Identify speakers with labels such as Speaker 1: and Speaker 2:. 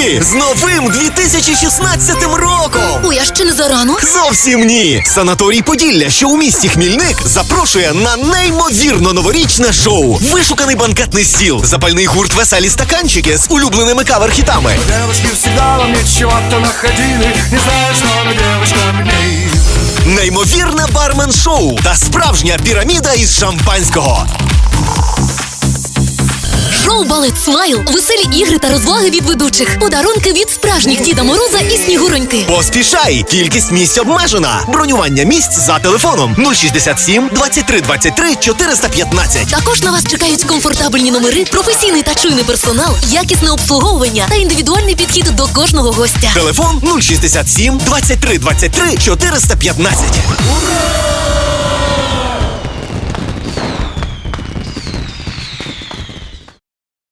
Speaker 1: роки з новим 2016 роком!
Speaker 2: Ой, а ще не зарано?
Speaker 1: Зовсім ні! Санаторій Поділля, що у місті Хмільник, запрошує на неймовірно новорічне шоу. Вишуканий банкетний стіл, запальний гурт «Веселі стаканчики» з улюбленими кавер-хітами.
Speaker 3: Девушки всегда во мне чего-то находили, не знаю, что на девушкам мне.
Speaker 1: Неймовірне бармен-шоу та справжня піраміда із шампанського.
Speaker 2: Шоу «Балет Смайл», веселі ігри та розваги від ведучих, подарунки від справжніх Діда Мороза і Снігуроньки.
Speaker 1: Поспішай! Кількість місць обмежена. Бронювання місць за телефоном 067 23 23 415.
Speaker 2: Також на вас чекають комфортабельні номери, професійний та чуйний персонал, якісне обслуговування та індивідуальний підхід до кожного гостя.
Speaker 1: Телефон 067 23 23 415.
Speaker 3: Ура!